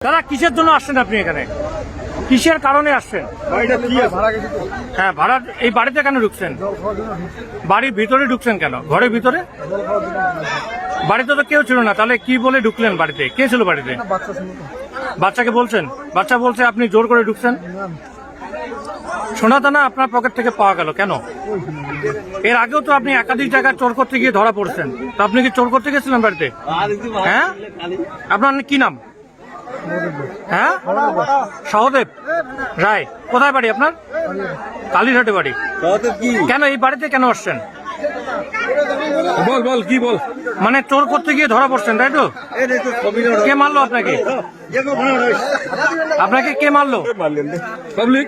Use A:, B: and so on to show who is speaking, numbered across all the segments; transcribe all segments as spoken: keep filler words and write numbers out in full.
A: দাদা কিসের জন্য আসছেন আপনি এখানে? কিসের কারণে আসছেন? হ্যাঁ, ভাড়া। এই বাড়িতে কেন ঢুকছেন? বাড়ির ভিতরে ঢুকছেন কেন? ঘরের ভিতরে? বাড়িতে তো কেউ ছিল না, তাহলে কি বলে ঢুকলেন বাড়িতে? কে ছিল বাড়িতে? বাচ্চাকে বলছেন? বাচ্চা বলছে আপনি জোর করে ঢুকছেন। সোনাদানা আপনার পকেট থেকে পাওয়া গেল কেন? এর আগেও তো আপনি একাধিক জায়গায় চোর করতে গিয়ে ধরা পড়ছেন, তো আপনি কি চোর করতে গেছিলেন বাড়িতে? হ্যাঁ, আপনার কি নাম? হ্যাঁ, সহদেব রায়। কোথায় বাড়ি আপনার? কালীঘাটে বাড়ি। কেন এই বাড়িতে কেন আসছেন? বল বল কি বল। মানে চোর করতে গিয়ে ধরা পড়ছেন, তাই তো? কে মারলো আপনাকে? আপনাকে কে মারলো? পাবলিক।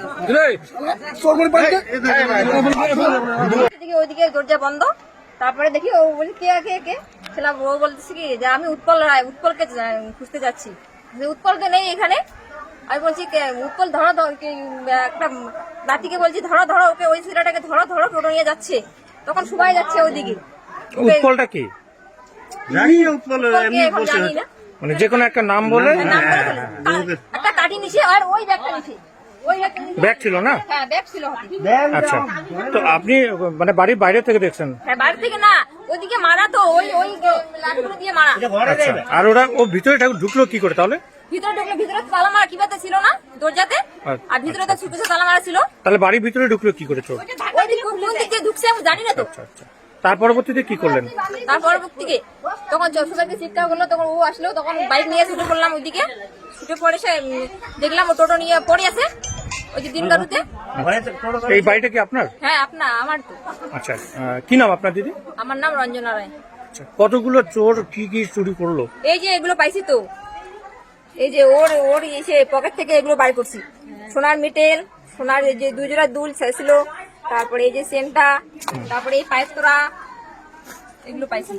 B: ওইদিকে দরজা বন্ধ, তারপরে দেখি ও বলি কে কে কে ছিলাম। ও বলতেছে কি যে আমি উৎপল রায়, উৎপলকে খুঁজতে যাচ্ছি। উৎপল তো নেই এখানে। আমি বলছি উৎপল ধরো, একটা নাতিকে বলছি ধরো ধরো ওকে, ওই ছেলেটাকে ধরো ধরো, টোটো নিয়ে যাচ্ছে। তখন সবাই যাচ্ছে ওইদিকে।
A: উৎপলটা কি
B: জানি না,
A: মানে যে কোনো একটা নাম বলে
B: একটা কাটি নিছে আর ওই ব্যাগটা নিছে।
A: ব্যাগ ছিল না?
B: হ্যাঁ, ব্যাগ ছিল।
A: আচ্ছা, তো আপনি মানে বাড়ির বাইরে থেকে দেখছেন?
B: হ্যাঁ, বাইরে থেকে না, ওইদিকে মারা তো, ওই ওই লাঠিগুলো দিয়ে মারা।
A: আচ্ছা, আর ওরা ও ভিতরে ঢুকলো কি করে তাহলে?
B: ভিতরে ঢুকলো, ভিতরে তালা মারা কিভাবে ছিল না দরজাতে, আর ভিতরে তো ছুটে তালা মারা ছিল।
A: তাহলে বাড়ির ভিতরে ঢুকলো কি করে চোর?
B: ওইদিকে কোন দিক দিয়ে ঢুকছে আমি জানি না তো।
A: আচ্ছা আচ্ছা, তার পরবর্তীতে কি করলেন?
B: তার পরবর্তীতে তখন সবাইকে চিৎকার করলো, তখন ও আসলো, তখন বাইক নিয়ে ছুটে পড়লাম ওইদিকে। ছুটে পড়ে সে দেখলাম ও টোটো নিয়ে পড়ে আছে ওই যে দিন গাড়ুতে।
A: এই বাড়িটা কি আপনার?
B: হ্যাঁ, আপনার আমার তো।
A: আচ্ছা, কি নাম আপনার দিদি?
B: আমার নাম রঞ্জনা রায়।
A: আচ্ছা, কতগুলো চোর কি কি চুরি করলো?
B: এই যে এগুলো পাইছি তো, এই যে ওর ওর এসে পকেট থেকে এগুলো বাড়ি করছি। সোনার মিটেল, সোনার যে দুই জোড়া দুল ছিল, তারপরে এই যে সেন্টা, তারপরে এই পায়েস্তরা, এগুলো পাইছি।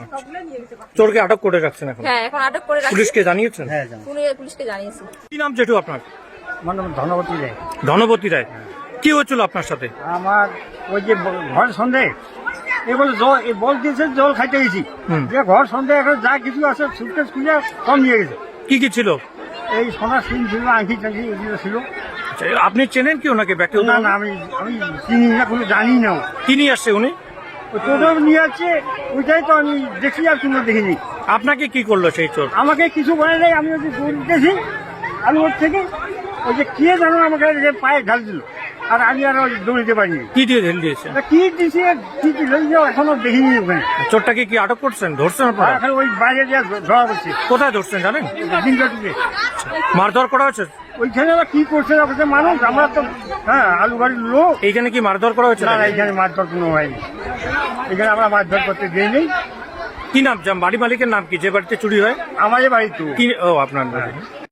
A: চোরকে আটক করে রাখছেন এখন?
B: হ্যাঁ, এখন আটক করে রাখছি।
A: পুলিশকে জানিয়েছেন?
B: পুলিশকে জানিয়েছি।
A: কি নাম জেঠু আপনার?
C: আমার নাম ধনবতী রায়।
A: ধনবতী রায়, কি হয়েছিল আপনার সাথে?
C: আমার ওই যে ঘর সন্ধে এবার জল বল দিয়েছে, জল খাইতে গেছি। যে ঘর সন্ধে এখন যা কিছু আছে সুটকেস খুলে কম নিয়ে গেছে।
A: কি কি ছিল?
C: এই সোনার সিং ছিল, আংটি টাংটি এগুলো ছিল।
A: আচ্ছা, আপনি চেনেন কি ওনাকে? ব্যক্তি
C: না না, আমি আমি চিনি না, কোনো জানি না।
A: কি নিয়ে আসছে উনি?
C: টোটো নিয়ে আসছে, ওইটাই তো আমি দেখি, আর কোনো দেখিনি।
A: আপনাকে কি করলো সেই চোর?
C: আমাকে কিছু বলে নেই, আমি ওই যে দৌড়তেছি, আমি ওর থেকে ওই যে কে জানো আমাকে পায়ে ঢাল দিল, আর আমি আর দৌড়িতে পারিনি।
A: কি দিয়ে ঢেল দিয়েছে?
C: কি দিয়েছে, কি দিল এখনো দেখিনি ওখানে।
A: চোরটাকে কি আটক করছেন, ধরছেন আপনারা?
C: এখন ওই বাইরে দিয়ে ধরা পড়ছে।
A: কোথায় ধরছেন জানেন?
C: দিনকাটিতে
A: মারধর করা হয়েছে?
C: ওইখানে আবার কি করছে না করছে মানুষ, আমরা তো হ্যাঁ আলু বাড়ির লোক।
A: এইখানে কি মারধর করা হয়েছে?
C: না না, এখানে মারধর কোনো হয়নি, এখানে আমরা মারধর করতে দিই নেই।
A: কি নাম, বাড়ি মালিকের নাম কি যে বাড়িতে চুরি হয়?
C: আমাদের বাড়ি তো
A: কি? ও, আপনার বাড়ি।